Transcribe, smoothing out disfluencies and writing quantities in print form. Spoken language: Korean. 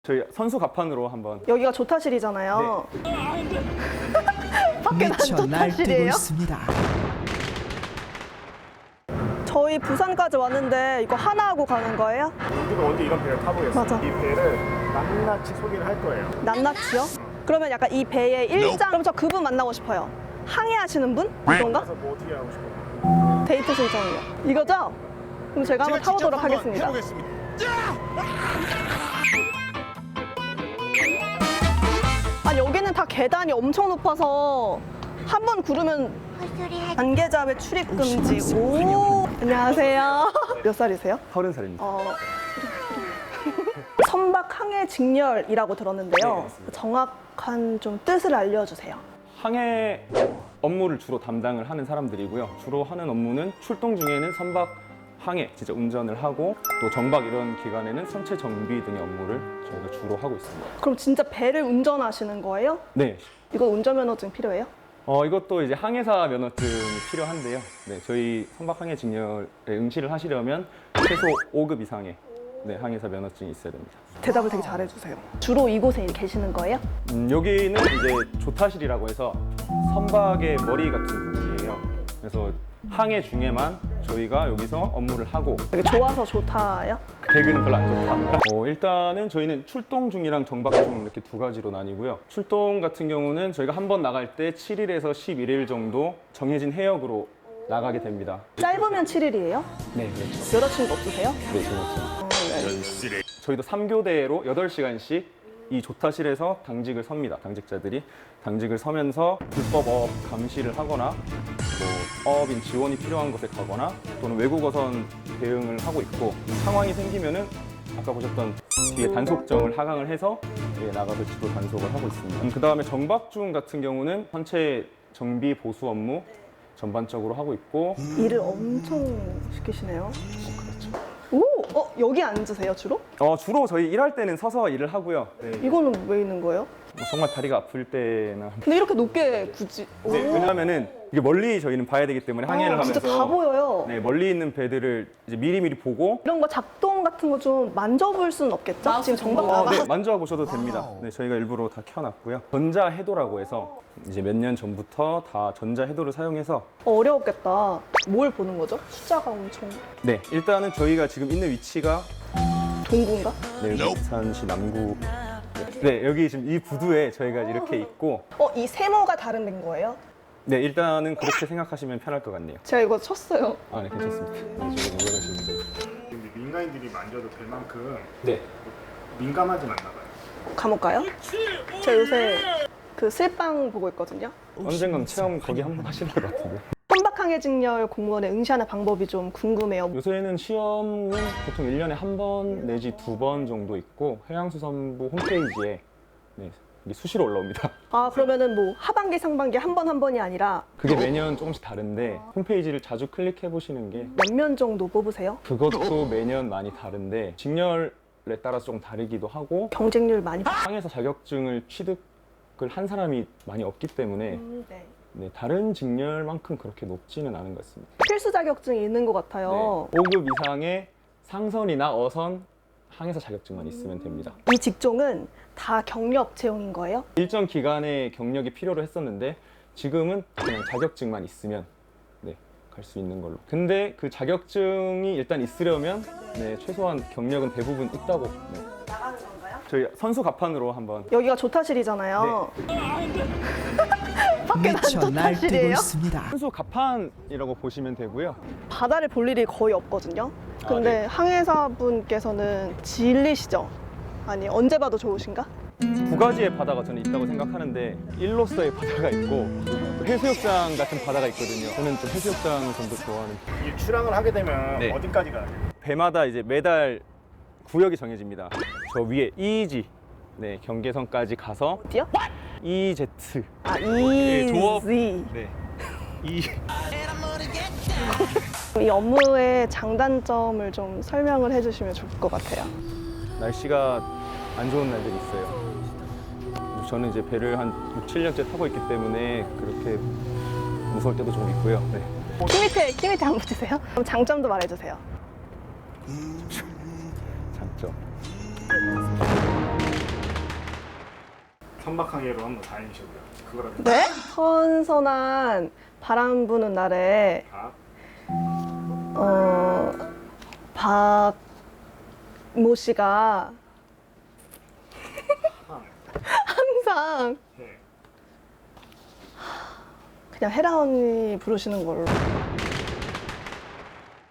저희 선수 갑판으로 한번. 여기가 조타실이잖아요. 밖에 난 미쳐 날뛰고 조타실이에요? 있습니다. 저희 부산까지 왔는데 이거 하나 하고 가는 거예요? 우리가 언제 이런 배를 타보겠어요? 맞아. 이 배를 낱낱이 소개를 할 거예요. 낱낱이요? 그러면 약간 이 배의 일장. 그럼 저 그분 만나고 싶어요. 항해하시는 분? 이건가? 그래서 뭐 어떻게 하고 싶어요? 데이트 신청이요. 이거죠? 그럼 제가 한번 타보도록 하겠습니다. 아, 여기는 다 계단이 엄청 높아서 한 번 구르면 관계자의 출입 금지. 오, 안녕하세요. 몇 살이세요? 30살입니다. 선박 항해 직렬이라고 들었는데요. 네, 맞습니다. 정확한 좀 뜻을 알려주세요. 항해 업무를 주로 담당을 하는 사람들이고요. 주로 하는 업무는 출동 중에는 선박 항해, 진짜 운전을 하고 또 정박 이런 기간에는 선체 정비 등의 업무를 저희가 주로 하고 있습니다. 그럼 진짜 배를 운전하시는 거예요? 네. 이거 운전면허증 필요해요? 이것도 이제 항해사 면허증이 필요한데요. 네, 저희 선박 항해 직렬에 응시를 하시려면 최소 5급 이상의 항해사 면허증이 있어야 됩니다. 대답을 되게 잘해주세요. 주로 이곳에 계시는 거예요? 여기는 이제 조타실이라고 해서 선박의 머리 같은 부분이에요. 그래서 항해 중에만 저희가 여기서 업무를 하고. 되게 좋아서 좋다요? 배그는 별로 안 좋다. 일단은 저희는 출동 중이랑 정박 중 이렇게 두 가지로 나뉘고요. 출동 같은 경우는 저희가 한 번 나갈 때 7일에서 11일 정도 정해진 해역으로 나가게 됩니다. 짧으면 7일이에요? 네, 그렇죠. 여자친구 없으세요? 네, 저는 저희도 3교대로 8시간씩 이 조타실에서 당직을 섭니다. 당직자들이 당직을 서면서 불법 어업 감시를 하거나 뭐 어업인 지원이 필요한 곳에 가거나 또는 외국어선 대응을 하고 있고, 상황이 생기면은 아까 보셨던 뒤에 단속정을 하강을 해서 나가서 지도 단속을 하고 있습니다. 그 다음에 정박 중 같은 경우는 선체 정비 보수 업무 전반적으로 하고 있고. 일을 엄청 시키시네요. 그렇죠. 오! 여기 앉으세요, 주로? 주로 저희 일할 때는 서서 일을 하고요. 네. 이거는 왜 있는 거예요? 정말 다리가 아플 때나. 근데 이렇게 높게 굳이. 오. 네, 왜냐하면은 이게 멀리 저희는 봐야 되기 때문에 항해를 하면서 진짜 다 보여요. 네, 멀리 있는 배들을 이제 미리미리 보고. 이런 거 작동 같은 거 좀 만져볼 수는 없겠죠? 지금 정박 네, 만져보셔도 됩니다. 네, 저희가 일부러 다 켜놨고요. 전자해도라고 해서 이제 몇 년 전부터 다 전자해도를 사용해서. 어려웠겠다. 뭘 보는 거죠? 숫자가 엄청. 네, 일단은 저희가 지금 있는 위치가 동구인가? 네, 부산시 남구. 네, 여기 지금 이 부두에 저희가 이렇게 있고. 이 세모가 다른 데인 거예요? 네, 일단은 그렇게 생각하시면 편할 것 같네요. 제가 이거 쳤어요. 네, 괜찮습니다. 네, 지금 올라가시면 돼요. 근데 민간인들이 만져도 될 만큼 네. 민감하진 않나 봐요. 감옥 가요? 제가 요새 그 슬빵 보고 있거든요. 언젠간 체험 거기 한번 하시는 것 같은데. 선박항해 직렬 공무원에 응시하는 방법이 좀 궁금해요. 요새는 시험은 보통 1년에 한 번 내지 2번 정도 있고, 해양수산부 홈페이지에 이게 수시로 올라옵니다. 그러면은 뭐 하반기, 상반기 한 번이 아니라 그게 매년 조금씩 다른데 홈페이지를 자주 클릭해 보시는 게. 몇 면 정도 뽑으세요? 그것도 매년 많이 다른데 직렬에 따라서 좀 다르기도 하고, 경쟁률 많이 항해사 자격증을 취득을 한 사람이 많이 없기 때문에 네. 다른 직렬만큼 그렇게 높지는 않은 것 같습니다. 필수 자격증이 있는 것 같아요. 5급 이상의 상선이나 어선 항해사 자격증만 있으면 됩니다. 이 직종은 다 경력 채용인 거예요? 일정 기간의 경력이 필요로 했었는데 지금은 그냥 자격증만 있으면 갈 수 있는 걸로. 근데 그 자격증이 일단 있으려면 최소한 경력은 대부분 있다고. 나가는 건가요? 저희 선수 갑판으로 한번. 여기가 조타실이잖아요. 밖에 난 미쳐 날뛰고 조타실이에요? 있습니다. 선수 갑판이라고 보시면 되고요. 바다를 볼 일이 거의 없거든요. 근데 항해사분께서는 진리시죠? 아니, 언제 봐도 좋으신가? 두 가지의 바다가 저는 있다고 생각하는데, 일로서의 바다가 있고 또 해수욕장 같은 바다가 있거든요. 저는 좀 해수욕장을 좀 더 좋아하는. 이 출항을 하게 되면 네. 어디까지 가요? 배마다 이제 매달 구역이 정해집니다. 저 위에 EEZ 경계선까지 가서 어디요? EEZ. 조업. 이지. 네. 이 업무의 장단점을 좀 설명을 해주시면 좋을 것 같아요. 날씨가 안 좋은 날들이 있어요. 저는 이제 배를 한 6, 7년째 타고 있기 때문에 그렇게 무서울 때도 좀 있고요. 네. 키 밑에 한번 붙이세요. 그럼 장점도 말해주세요. 장점. 선박하게로 한번 다니시고요. 그거라도 네? 선선한 바람 부는 날에 박모 씨가 항상 네. 그냥 혜라 언니 부르시는 걸로.